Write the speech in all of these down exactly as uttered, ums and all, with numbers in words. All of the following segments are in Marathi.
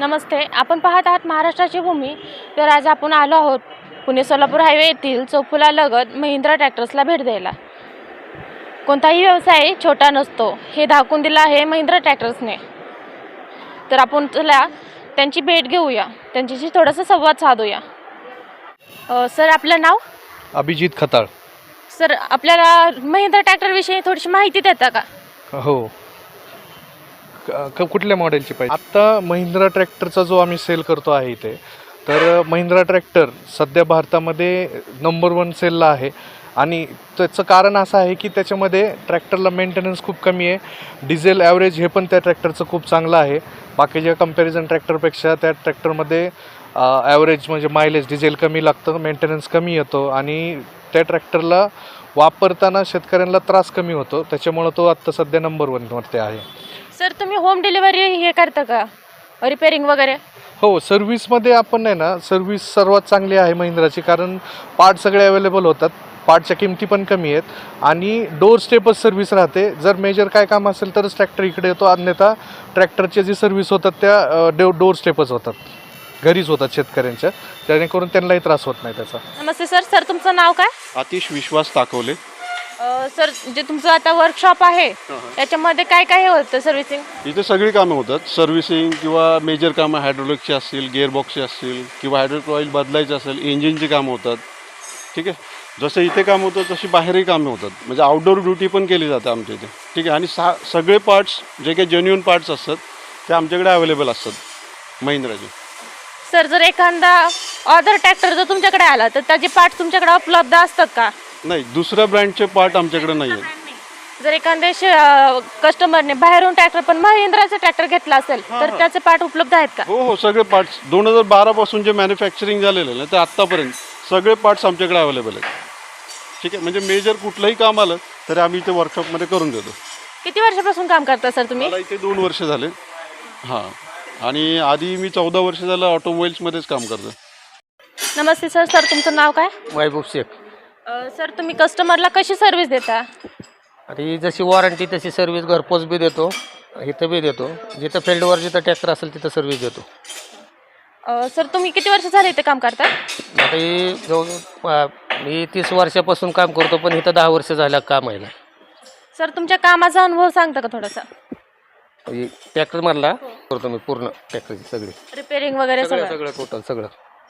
नमस्ते, आपण पाहत आहात महाराष्ट्राची भूमी. तर आज आपण आलो आहोत पुणे सोलापूर हायवे येथील चौफुलालगत महिंद्रा ट्रॅक्टर्सला भेट द्यायला. कोणताही व्यवसाय छोटा नसतो हे दाखवून दिलं आहे महिंद्रा ट्रॅक्टर्सने. तर आपण चला त्यांची भेट घेऊया, त्यांच्याशी थोडासा संवाद साधूया. अ, सर आपलं नाव? अभिजित खताळ. सर आपल्याला महिंद्रा ट्रॅक्टरविषयी थोडीशी माहिती देता का? हो. क- क- कुठल्या मॉडेलची पाहिजे? आत्ता महिंद्रा ट्रॅक्टरचा जो आम्ही सेल करतो आहे इथे, तर महिंद्रा ट्रॅक्टर सध्या भारतामध्ये नंबर वन सेलला आहे. आणि त्याचं कारण असं आहे की त्याच्यामध्ये ट्रॅक्टरला मेंटेनन्स खूप कमी आहे. डिझेल ॲव्हरेज हे पण त्या ट्रॅक्टरचं खूप चांगलं आहे. बाकीच्या कंपॅरिझन ट्रॅक्टरपेक्षा त्या ट्रॅक्टरमध्ये ॲव्हरेज म्हणजे मायलेज डिझेल कमी लागतं, मेंटेनन्स कमी येतो आणि त्या ट्रॅक्टरला वापरताना शेतकऱ्यांना त्रास कमी होतो. त्याच्यामुळं तो आत्ता सध्या नंबर वनवरती आहे. सर तुम्ही होम डिलिव्हरी हे करता का, रिपेअरिंग वगैरे? हो, सर्व्हिसमध्ये आपण आहे ना, सर्व्हिस सर्वात चांगली आहे महिंद्राची, कारण पार्ट सगळे अवेलेबल होतात, पार्टच्या किमती पण कमी आहेत आणि डोर स्टेपच सर्व्हिस राहते. जर मेजर काय काम असेल तरच ट्रॅक्टर इकडे येतो, अन्यथा ट्रॅक्टरच्या जी सर्व्हिस होतात त्या डो डोर स्टेपच होतात, घरीच होतात शेतकऱ्यांच्या, जेणेकरून त्यांनाही त्रास होत नाही त्याचा. नमस्ते सर. सर तुमचं नाव काय? आतिश विश्वास ताकवले. अ, सर जे तुमचं आता वर्कशॉप आहे त्याच्यामध्ये काय काय होतं सर्व्हिसिंग? इथे सगळी कामं होतात. सर्व्हिसिंग किंवा मेजर कामं हायड्रोलिकची असतील, गिअरबॉक्सची असतील किंवा हायड्रोलिक ऑइल बदलायचं असेल, इंजिनची कामं होतात. ठीक आहे, जसं इथे काम होतं तशी बाहेरही कामं होतात. म्हणजे आउटडोर ड्युटी पण केली जाते आमच्या इथे. ठीक आहे, आणि सा सगळे पार्ट्स जे काही जेन्युइन पार्ट्स असतात ते आमच्याकडे अवेलेबल असतात महिंद्राचे. सर जर एखादा अदर ट्रॅक्टर जर तुमच्याकडे आला तर त्याचे पार्ट तुमच्याकडे उपलब्ध असतात का? नाही, दुसऱ्या ब्रँडचे पार्ट आमच्याकडे नाही आहेत. जर एखाद्या कस्टमरने बाहेरून ट्रॅक्टर पण महिंद्राचा ट्रॅक्टर घेतला असेल तर त्याचे पार्ट उपलब्ध आहेत का? हो हो, सगळे पार्ट्स दोन हजार बारा पासून जे मॅन्युफॅक्चरिंग झालेलं आहे ते आत्तापर्यंत सगळे पार्ट्स आमच्याकडे अवेलेबल आहेत. ठीक आहे, म्हणजे मेजर कुठलंही काम आलं तरी आम्ही इथे वर्कशॉपमध्ये करून देतो. किती वर्षापासून काम करता सर तुम्ही? मला इथे दोन वर्ष झाले. हां, आणि आधी मी चौदा वर्ष झालं ऑटोमोबाईल्समध्येच काम करतो. नमस्ते सर. सर तुमचं नाव काय? महबूब शेख. अ, सर तुम्ही कस्टमरला कशी सर्व्हिस देता? आता ही जशी वॉरंटी तशी सर्व्हिस घरपोच बी देतो, इथं बी देतो. जिथं फील्डवर जिथं ट्रॅक्टर असेल तिथं सर्व्हिस देतो. अ, सर तुम्ही किती वर्ष झाले इथे काम करता? आता ही जवळ अं, मी तीस वर्षापासून काम करतो, पण इथं दहा वर्ष झालं काम आहे. सर तुमच्या कामाचा अनुभव सांगता का थोडासा? ट्रॅक्टरमधला करतो मी पूर्ण ट्रॅक्टरची सगळी रिपेअरिंग वगैरे सगळं सगळं? सगळं टोटल सगळं.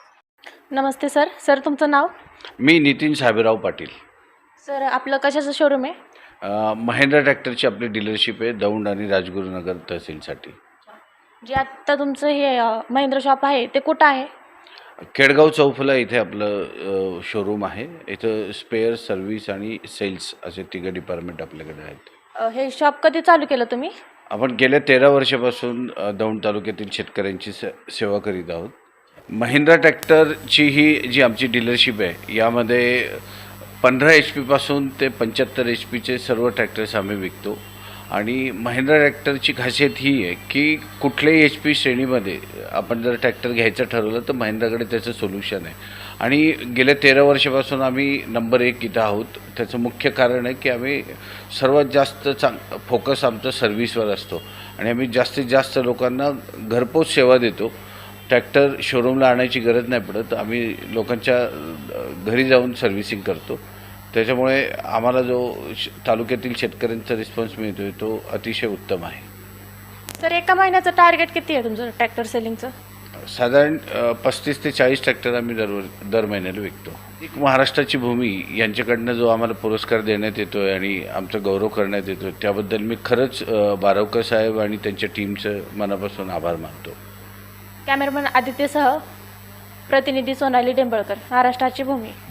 नमस्ते सर. सर तुमचं नाव? मी नितीन साहेबराव पाटील. सर आपलं कशाचं शोरूम आहे? अ, महिंद्रा ट्रॅक्टरची आपली डीलरशिप आहे दौंड आणि राजगुरुनगर तहसीलसाठी. जे आत्ता तुमचं हे अ, महिंद्रा शॉप आहे ते कुठं आहे? केडगाव चौफुला इथे आपलं शोरूम आहे. इथं स्पेअर, सर्व्हिस आणि सेल्स असे तिघं डिपार्टमेंट आपल्याकडे आहेत. अ, हे शॉप कधी चालू केलं तुम्ही? आपण गेल्या तेरा वर्षापासून अ, दौंड तालुक्यातील शेतकऱ्यांची से सेवा करीत आहोत. महिंद्रा ट्रॅक्टरची ही जी आमची डीलरशिप आहे यामध्ये पंधरा एच पीपासून ते पंच्याहत्तर एच पीचे सर्व ट्रॅक्टर्स आम्ही विकतो. आणि महिंद्रा ट्रॅक्टरची खासियत ही आहे की कुठल्याही एच पी श्रेणीमध्ये आपण जर ट्रॅक्टर घ्यायचं ठरवलं तर महिंद्राकडे त्याचं सोल्युशन आहे. आणि गेल्या तेरा वर्षापासून आम्ही नंबर एक इथं आहोत. त्याचं मुख्य कारण आहे की आम्ही सर्वात जास्त चांग फोकस आमचा सर्व्हिसवर असतो आणि आम्ही जास्तीत जास्त लोकांना घरपोच सेवा देतो. ट्रॅक्टर शोरूमला आणायची गरज नाही पडत, आम्ही लोकांच्या घरी जाऊन सर्व्हिसिंग करतो. त्याच्यामुळे आम्हाला जो श तालुक्यातील शेतकऱ्यांचा रिस्पॉन्स मिळतो आहे तो अतिशय उत्तम आहे. सर एका महिन्याचं टार्गेट किती आहे तुमचं ट्रॅक्टर सेलिंगचं? साधारण पस्तीस ते चाळीस ट्रॅक्टर आम्ही दर दर महिन्याला विकतो. एक महाराष्ट्राची भूमी यांच्याकडनं जो आम्हाला पुरस्कार देण्यात येतो आहे आणि आमचा गौरव करण्यात येतो आहे त्याबद्दल मी खरंच बारावकर साहेब आणि त्यांच्या टीमचं मनापासून आभार मानतो. कॅमेरामॅन आदित्यसह प्रतिनिधी सोनाली डेंबळकर, महाराष्ट्राची भूमी.